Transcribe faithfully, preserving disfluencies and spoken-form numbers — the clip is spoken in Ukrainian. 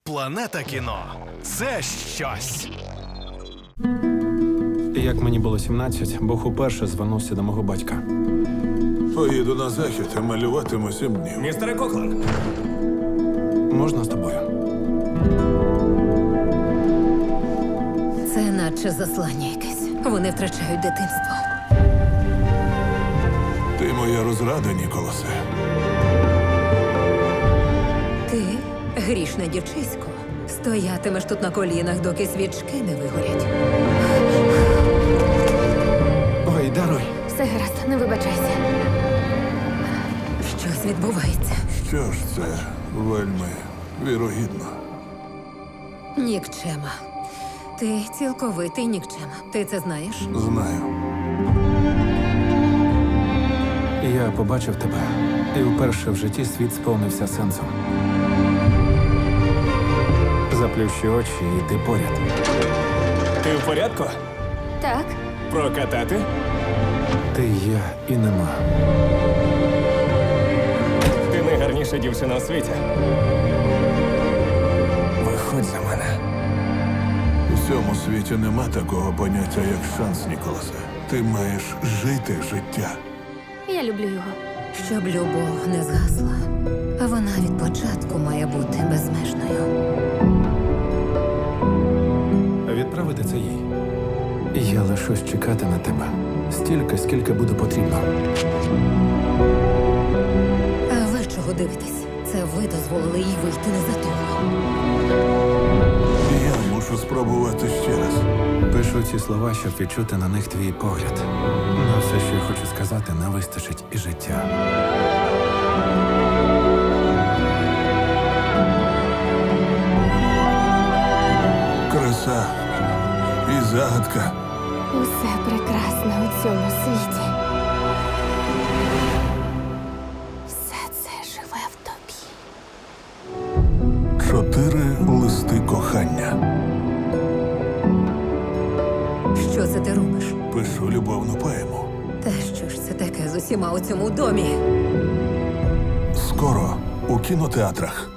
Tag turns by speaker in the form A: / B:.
A: Планета кіно – це щось.
B: Як мені було сімнадцять, Бог уперше звернувся до мого батька.
C: Поїду на захід, а малюватиму сім днів.
A: Містере Коклан,
B: Можна з тобою?
D: Це наче заслання якесь. Вони втрачають дитинство.
C: Ти моя розрада, Ніколасе.
D: Ти, грішне дівчисько, стоятимеш тут на колінах, доки свічки не вигорять.
B: Ой, даруй.
E: Все гаразд, не вибачайся.
D: Щось відбувається.
C: Що ж це вельми вірогідно.
D: Нікчема. Ти цілковитий нікчема. Ти це знаєш?
C: Знаю.
B: Я побачив тебе, і вперше в житті світ сповнився сенсом. Заплющи очі, і ти поряд.
A: ти в порядку?
E: Так,
A: Прокатати?
B: Ти є і нема.
A: Ти найгарніша дівчина у світі. Виходь за мене.
C: У цьому світі нема такого поняття, як шанс, Ніколасе. Ти маєш жити життя.
E: я люблю його.
D: Щоб любов не згасла, а вона від початку має бути безмежною.
B: Відправити це їй. Я лишусь чекати на тебе. Стільки, скільки буде потрібно.
D: А ви чого дивитесь? Це ви дозволили їй вийти не за того.
C: Я мушу спробувати ще раз.
B: Пишу ці слова, щоб відчути на них твій погляд. На все, що я хочу сказати, не вистачить і життя.
C: Краса і загадка.
E: Усе прекрасне у цьому світі. Все це живе в тобі.
C: Чотири листи кохання.
D: Що це ти робиш?
C: Пишу любовну поему.
D: Та що ж це таке з усіма у цьому домі?
C: Скоро у кінотеатрах.